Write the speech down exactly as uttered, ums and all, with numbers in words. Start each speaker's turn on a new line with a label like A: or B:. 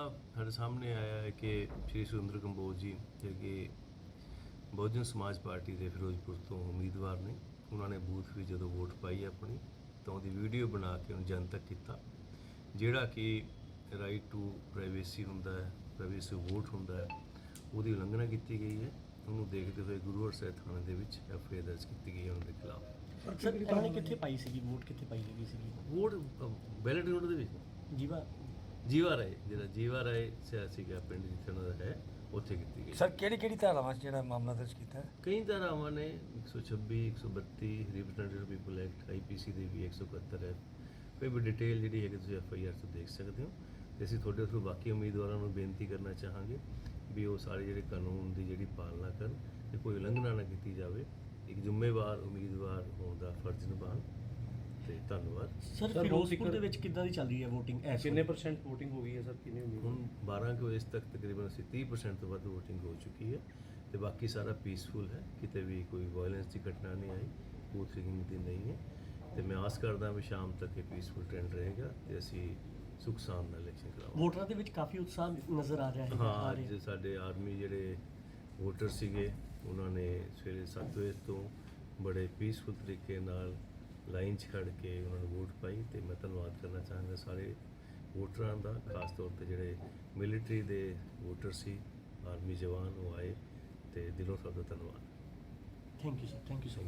A: ਸਾਡੇ ਸਾਹਮਣੇ ਆਇਆ ਹੈ ਕਿ ਸ਼੍ਰੀ ਸੁਰਿੰਦਰ ਕੰਬੋਜ ਜੀ ਜਿਹੜੇ ਬਹੁਜਨ ਸਮਾਜ ਪਾਰਟੀ ਦੇ ਫਿਰੋਜ਼ਪੁਰ ਤੋਂ ਉਮੀਦਵਾਰ ਨੇ, ਉਹਨਾਂ ਨੇ ਬੂਥ ਵਿੱਚ ਜਦੋਂ ਵੋਟ ਪਾਈ ਆਪਣੀ ਤਾਂ ਉਹਦੀ ਵੀਡੀਓ ਬਣਾ ਕੇ ਉਹਨੂੰ ਜਨਤਕ ਕੀਤਾ, ਜਿਹੜਾ ਕਿ ਰਾਈਟ ਟੂ ਪ੍ਰਾਈਵੇਸੀ ਹੁੰਦਾ ਹੈ, ਪ੍ਰਾਈਵੇਸੀ ਵੋਟ ਹੁੰਦਾ ਹੈ, ਉਹਦੀ ਉਲੰਘਣਾ ਕੀਤੀ ਗਈ ਹੈ। ਉਹਨੂੰ ਦੇਖਦੇ ਹੋਏ ਗੁਰੂ ਹਰ ਸਾਹਿਬ ਥਾਣੇ ਦੇ ਵਿੱਚ ਐਫ ਆਈ ਆਰ ਦਰਜ ਕੀਤੀ ਗਈ ਹੈ ਉਹਨਾਂ ਦੇ ਖਿਲਾਫ।
B: ਸਰ ਉਹਨਾਂ ਨੇ ਕਿੱਥੇ ਪਾਈ ਸੀਗੀ ਵੋਟ, ਕਿੱਥੇ ਪਾਈ ਗਈ ਸੀਗੀ
A: ਵੋਟ? ਬੈਲਟ ਯੂਨਿਟ ਦੇ ਵਿੱਚ
B: ਜੀਵਾ
A: ਜੀਵਾ ਰਾਏ, ਜਿਹੜਾ ਜੀਵਾ ਰਾਏ ਸਿਆਸੀ ਗਾ ਪਿੰਡ ਜਿੱਥੇ ਉਹਨਾਂ ਦਾ ਹੈ, ਉੱਥੇ ਕੀਤੀ ਗਈ।
C: ਸਰ ਕਿਹੜੀ ਕਿਹੜੀ ਧਾਰਾਵਾਂ 'ਚ ਜਿਹੜਾ ਮਾਮਲਾ ਦਰਜ ਕੀਤਾ ਹੈ?
A: ਕਈ ਧਾਰਾਵਾਂ ਨੇ, ਇੱਕ ਸੌ ਛੱਬੀ, ਇੱਕ ਸੌ ਬੱਤੀ representative people act, I P C ਦੇ ਵੀ ਇੱਕ ਸੌ ਇਕਹੱਤਰ ਹੈ। ਕੋਈ ਵੀ ਡਿਟੇਲ ਜਿਹੜੀ ਹੈਗੀ ਤੁਸੀਂ ਐਫ ਆਈ ਆਰ 'ਚ ਦੇਖ ਸਕਦੇ ਹੋ। ਤੇ ਅਸੀਂ ਤੁਹਾਡੇ ਥਰੂ ਬਾਕੀ ਉਮੀਦਵਾਰਾਂ ਨੂੰ ਬੇਨਤੀ ਕਰਨਾ ਚਾਹਾਂਗੇ ਵੀ ਉਹ ਸਾਰੇ ਜਿਹੜੇ ਕਾਨੂੰਨ ਦੀ ਜਿਹੜੀ ਪਾਲਣਾ ਕਰਨ ਤੇ ਕੋਈ ਉਲੰਘਣਾ ਨਾ ਕੀਤੀ ਜਾਵੇ। ਇੱਕ ਜ਼ਿੰਮੇਵਾਰ ਉਮੀਦਵਾਰ ਹੋਣ ਦਾ ਫਰਜ਼ ਨਿਭਾਉਣ। ਤੇ ਧੰਨਵਾਦ।
B: ਸਰ ਫਿਰੋਜ਼ਪੁਰ ਦੇ ਵਿੱਚ ਕਿੱਦਾਂ ਦੀ ਚੱਲ ਰਹੀ ਹੈ ਵੋਟਿੰਗ?
D: ਕਿੰਨੇ ਪਰਸੈਂਟ ਵੋਟਿੰਗ ਹੋ ਗਈ ਹੈ ਸਰ? ਕਿੰਨੀ ਉਮੀਦ?
A: ਹੁਣ ਬਾਰਾਂ ਕੁ ਵਜੇ ਤੱਕ ਤਕਰੀਬਨ ਅਸੀਂ ਤੀਹ ਪਰਸੈਂਟ ਤੋਂ ਵੱਧ ਵੋਟਿੰਗ ਹੋ ਚੁੱਕੀ ਹੈ ਤੇ ਬਾਕੀ ਸਾਰਾ ਪੀਸਫੁਲ ਹੈ, ਕਿਤੇ ਵੀ ਕੋਈ ਵਾਇਲੈਂਸ ਦੀ ਘਟਨਾ ਨਹੀਂ ਆਈ, ਬੂਥ ਰਿਗਿੰਗ ਦੀ ਨਹੀਂ ਹੈ। ਤੇ ਮੈਂ ਆਸ ਕਰਦਾ ਵੀ ਸ਼ਾਮ ਤੱਕ ਇਹ ਪੀਸਫੁਲ ਟ੍ਰੈਂਡ ਰਹੇਗਾ ਤੇ ਅਸੀਂ ਸੁਖ ਸਾਂਦ ਨਾਲ ਇਲੈਕਸ਼ਨ ਕਰਾਵਾਂਗੇ।
B: ਵੋਟਰਾਂ ਦੇ ਵਿੱਚ ਕਾਫੀ ਉਤਸ਼ਾਹ ਨਜ਼ਰ ਆ ਰਿਹਾ ਹੈ।
A: ਹਾਂ, ਅੱਜ ਸਾਡੇ ਆਰਮੀ ਜਿਹੜੇ ਵੋਟਰ ਸੀਗੇ ਉਹਨਾਂ ਨੇ ਸਵੇਰੇ ਸੱਤ ਵਜੇ ਤੋਂ ਬੜੇ ਪੀਸਫੁਲ ਤਰੀਕੇ ਨਾਲ ਲਾਈਨ 'ਚ ਖੜ੍ਹ ਕੇ ਉਹਨਾਂ ਨੂੰ ਵੋਟ ਪਾਈ ਤੇ ਮੈਂ ਧੰਨਵਾਦ ਕਰਨਾ ਚਾਹਾਂਗਾ ਸਾਰੇ ਵੋਟਰਾਂ ਦਾ, ਖਾਸ ਤੌਰ 'ਤੇ ਜਿਹੜੇ ਮਿਲਟਰੀ ਦੇ ਵੋਟਰ ਸੀ, ਆਰਮੀ ਜਵਾਨ ਉਹ ਆਏ ਤੇ ਦਿਲੋਂ ਸਭ ਦਾ ਧੰਨਵਾਦ।
B: Thank you sir, thank you so